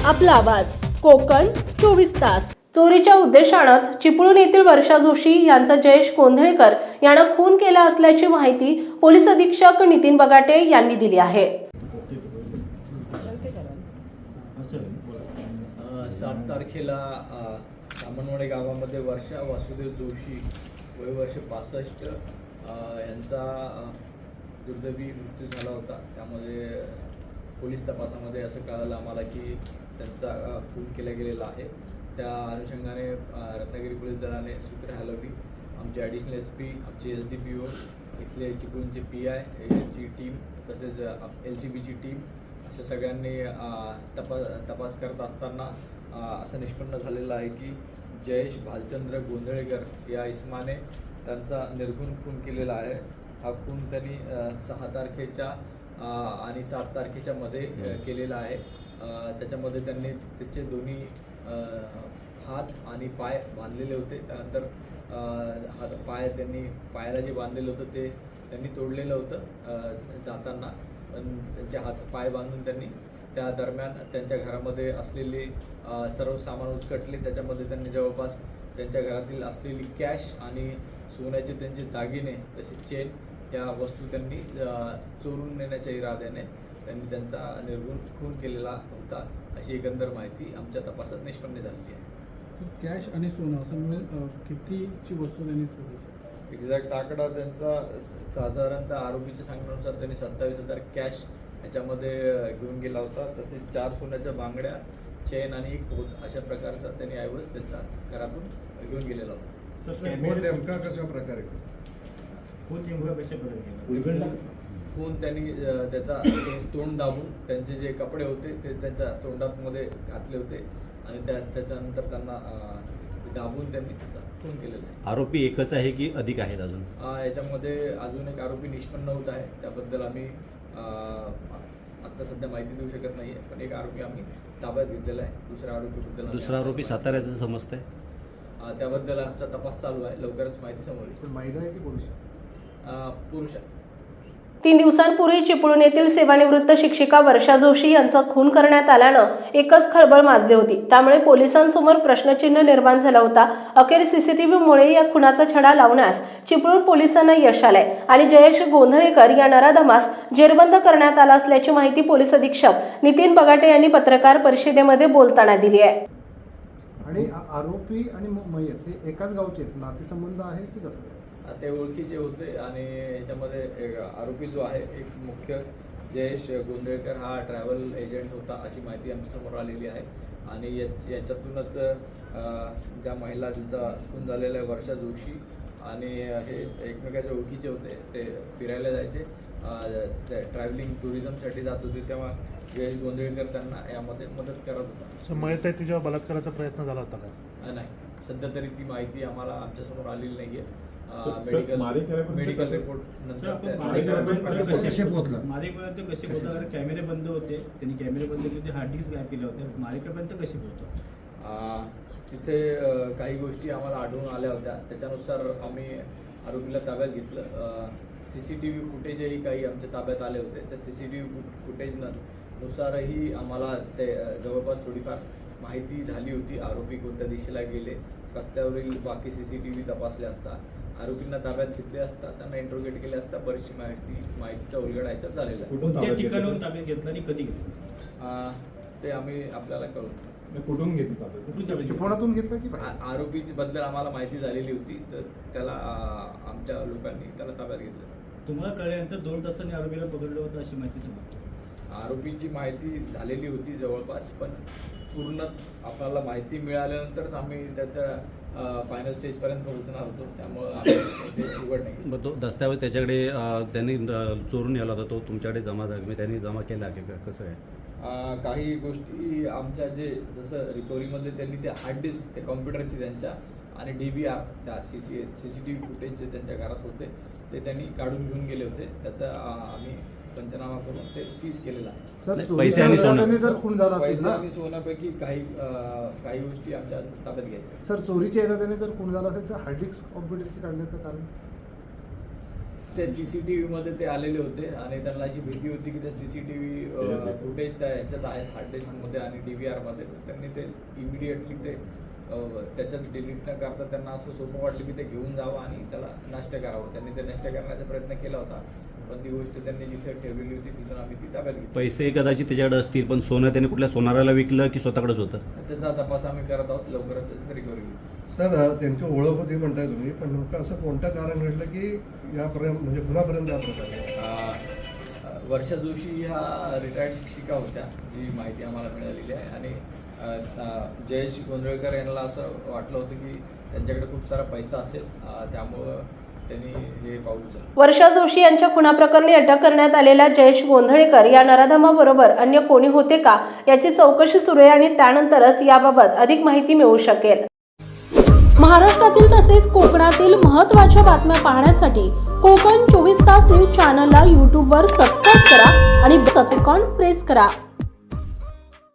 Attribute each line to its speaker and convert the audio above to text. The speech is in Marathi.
Speaker 1: आपला आवाज कोकण 24 तास।
Speaker 2: चोरीच्या उद्देशानंच चिपळूण येथील वर्षा जोशी यांचा जयेश गोंधळेकर यांना खून केला असल्याची माहिती पोलीस अधीक्षक नितीन बगाटे यांनी दिली आहे।
Speaker 3: 7 तारखेला सामनवाडी गावामध्ये वर्षा वासुदेव जोशी वय वर्ष 65 यांचा दुर्दैवी मृत्यू झाला होता। त्यामध्ये पोलीस तपासामध्ये असं कळालं आम्हाला की त्यांचा खून केला गेलेला आहे। त्या अनुषंगाने रत्नागिरी पोलीस दलाने सूत्रे हलवली। आमचे ॲडिशनल SP, आमचे SDPO, इथले चिपळूणचे PI यांची टीम तसेच LCBची टीम अशा सगळ्यांनी तपास करत असताना असं निष्पन्न झालेलं आहे की जयेश भालचंद्र गोंधळेकर या इसमाने त्यांचा निर्घुण खून केलेला आहे। हा खून त्यांनी 6 तारखेच्या आणि 7 तारखेच्या मध्ये केलेला आहे। त्याच्यामध्ये त्यांनी त्याचे दोन्ही हात आणि पाय बांधलेले होते। त्यानंतर पाय त्यांनी पायाला जे बांधलेलं होतं ते त्यांनी तोडलेलं होतं जाताना, पण त्यांचे हात पाय बांधून त्यांनी त्या दरम्यान त्यांच्या घरामध्ये असलेले सर्व सामान उचकटले। त्याच्यामध्ये त्यांनी जवळपास त्यांच्या घरातील असलेली कॅश आणि सोन्याचे त्यांचे दागिने तसेच चेन या वस्तू त्यांनी चोरून नेण्याच्या इराद्याने त्यांनी त्यांचा निर्घुण खून केलेला होता, अशी एकंदर माहिती आमच्या तपासात निष्पन्न झालेली आहे।
Speaker 4: कॅश आणि सोनं असं मिळून कितीची वस्तू त्यांनी चोरली?
Speaker 3: एक्झॅक्ट आकडा त्यांचा साधारणतः आरोपीच्या सांगण्यानुसार त्यांनी 27,000 कॅश याच्यामध्ये घेऊन गेला होता। तसेच 4 सोन्याच्या बांगड्या, चेन आणि एक पोत अशा प्रकारचा त्यांनी ऐवज त्यांच्या घरातून घेऊन गेलेला होता।
Speaker 5: नेमका कशा प्रकारे
Speaker 3: खून त्यांनी त्याचा तोंड दाबून त्यांचे जे कपडे होते ते त्यांच्या तोंडामध्ये घातले होते आणि त्याच्यानंतर त्यांना दाबून त्यांनी खून केलेलं आहे।
Speaker 6: आरोपी एकच आहे की अधिक आहेत अजून?
Speaker 3: याच्यामध्ये अजून एक आरोपी निष्पन्न होत आहे। त्याबद्दल आम्ही आता सध्या माहिती देऊ शकत नाही, पण एक आरोपी आम्ही ताब्यात घेतलेला आहे।
Speaker 6: दुसरा आरोपी साताऱ्याचं समजतंय,
Speaker 3: त्याबद्दल आमचा तपास चालू आहे। लवकरच माहिती समोर येईल।
Speaker 5: महिला आहे की पुरुष?
Speaker 3: पुरुष आहे।
Speaker 2: 3 दिवसांपूर्वी चिपळूण येथील सेवानिवृत्त शिक्षिका वर्षा जोशी यांचा खून करण्यात आल्यानं एकच खळबळ माजली होती। त्यामुळे पोलिसांसमोर प्रश्नचिन्ह निर्माण झाला होता। अखेर CCTVमुळे या खुनाचा छडा लावण्यास चिपळूण पोलिसांना यश आलंय आणि जयेश गोंधळेकर या नराधमास जेरबंद करण्यात आला असल्याची माहिती पोलीस अधीक्षक नितीन बगाटे यांनी पत्रकार परिषदेमध्ये बोलताना दिली आहे।
Speaker 5: आणि आरोपी आणि मयत हे एकाच गावचे आहेत, नातेसंबंध आहे की कसं?
Speaker 3: ते ओळखीचे होते आणि याच्यामध्ये आरोपी जो आहे एक मुख्य जयेश गोंधळेकर हा ट्रॅव्हल एजंट होता, अशी माहिती आमच्यासमोर आलेली आहे। आणि याच्यातूनच ज्या महिला जिचा खून झालेला आहे वर्षा जोशी आणि हे एकमेकाच्या ओळखीचे होते। ते फिरायला जायचे, ट्रॅव्हलिंग टुरिझमसाठी जात होते, तेव्हा जयेश गोंधळेकर त्यांना यामध्ये मदत करत होता।
Speaker 7: मयत आहे तिच्यावर बलात्काराचा प्रयत्न झाला होता का?
Speaker 3: नाही, सध्या तरी ती माहिती आम्हाला आमच्यासमोर आलेली नाहीये। मेडिकल रिपोर्ट
Speaker 8: मारेपर्यंत कसे पोहोचला? कॅमेरे बंद होते, त्यांनी कॅमेरे बंद केले, हार्ड डिस्क गायब केले होते, मारेपर्यंत कसे पोहोचला?
Speaker 3: तिथे काही गोष्टी आम्हाला आढळून आल्या होत्या, त्याच्यानुसार आम्ही आरोपीला ताब्यात घेतलं। CCTV फुटेजही काही आमच्या ताब्यात आले होते। त्या CCTV फुटेजनुसारही आम्हाला ते जवळपास थोडीफार माहिती झाली होती। आरोपी कोणत्या दिशेला गेले, रस्त्यावरील बाकी CCTV तपासले असता, आरोपींना ताब्यात घेतले असता, त्यांना इंट्रोगेट केले असता बरीचशी माहितीचा उलगडायचा झालेला आहे।
Speaker 8: कोणत्या ठिकाणाहून ताब्यात घेतलं आणि कधी घेतलं
Speaker 3: ते आम्ही आपल्याला कळू।
Speaker 5: कुठून घेतलं? चिपळूणातून घेतलं की
Speaker 3: आरोपी बद्दल आम्हाला माहिती झालेली होती, तर त्याला आमच्या लोकांनी त्याला ताब्यात घेतलं।
Speaker 8: तुम्हाला कळल्यानंतर 2 तासांनी आरोपीला पकडलं होतं अशी माहिती समजते?
Speaker 3: आरोपीची माहिती झालेली होती जवळपास, पण पूर्ण आपल्याला माहिती मिळाल्यानंतरच आम्ही त्याच्या फायनल स्टेजपर्यंत पोहोचणार होतो, त्यामुळं ते उघड नाही।
Speaker 6: मग तो दस्तावेज त्याच्याकडे त्यांनी चोरून नेला होता, तो तुमच्याकडे जमा झाला, त्यांनी जमा केला की कसं आहे?
Speaker 3: काही गोष्टी आमच्या जे जसं रिकव्हरीमध्ये त्यांनी ते हार्ड डिस्क त्या कॉम्प्युटरची त्यांच्या आणि DVR त्या CCTV फुटेज जे त्यांच्या घरात होते ते त्यांनी काढून घेऊन गेले होते। त्याचा आम्ही पंचनामा करून ते सीज केलेला आहे।
Speaker 5: सर,
Speaker 6: पैसे आणि सोनं
Speaker 5: जर खून झाला असेल ना,
Speaker 3: आणि सोन्यापैकी काही गोष्टी आमच्या ताब्यात घ्यायच्या।
Speaker 5: सर, चोरीच्या इराद्याने जर खून झाला असेल तर हार्ड डिस्क कॉम्प्युटरची काढण्याचं कारण?
Speaker 3: ते CCTV मध्ये ते आलेले होते आणि त्यांना अशी भीती होती की त्या CCTV फुटेज त्या ह्याच्यात आहेत हार्ड डिस्कमध्ये आणि DVR मध्ये. त्यांनी ते इमिडिएटली ते त्याच्यात डिलीट न करता त्यांना असं सोपं वाटलं की ते घेऊन जावं आणि त्याला नष्ट करावं. त्यांनी ते नष्ट करण्याचा प्रयत्न केला होता, पण ती गोष्ट त्यांनी जिथे ठेवलेली होती तिथून आम्ही ती ताब्यात घेतली.
Speaker 6: पैसे कदाचित त्याच्याकडे असतील, पण सोनं त्याने कुठल्या सोनाराला विकलं की स्वतःकडेच होतं?
Speaker 3: त्याचा तपास आम्ही करत आहोत, लवकरच रिकव्हरी घेऊ.
Speaker 9: सर, त्यांची ओळख होती म्हणताय तुम्ही, पण नेमकं असं कोणतं कारण घडलं की यापर्यंत म्हणजे कुणापर्यंत या प्रकारे?
Speaker 3: वर्षा जोशी ह्या रिटायर्ड शिक्षिका होत्या, जी माहिती आम्हाला मिळालेली आहे. आणि जयेश गोंधळकर यांना असं वाटलं होतं की त्यांच्याकडे खूप सारा पैसा असेल, त्यामुळं त्यांनी हे पाऊल उचललं.
Speaker 2: वर्षा जोशी यांच्या खुनाप्रकरणी अटक करण्यात आलेल्या जयेश गोंधळेकर या नराधमाबरोबर अन्य कोणी होते का याची चौकशी सुरू आहे आणि त्यानंतरच याबाबत अधिक माहिती मिळू शकेल.
Speaker 1: महाराष्ट्रातील तसेच कोकणातील महत्त्वाच्या बातम्या पाहण्यासाठी कोकण 24 तास न्यूज चॅनलला यूट्यूबवर सबस्क्राईब करा आणि बेल आयकॉन प्रेस करा.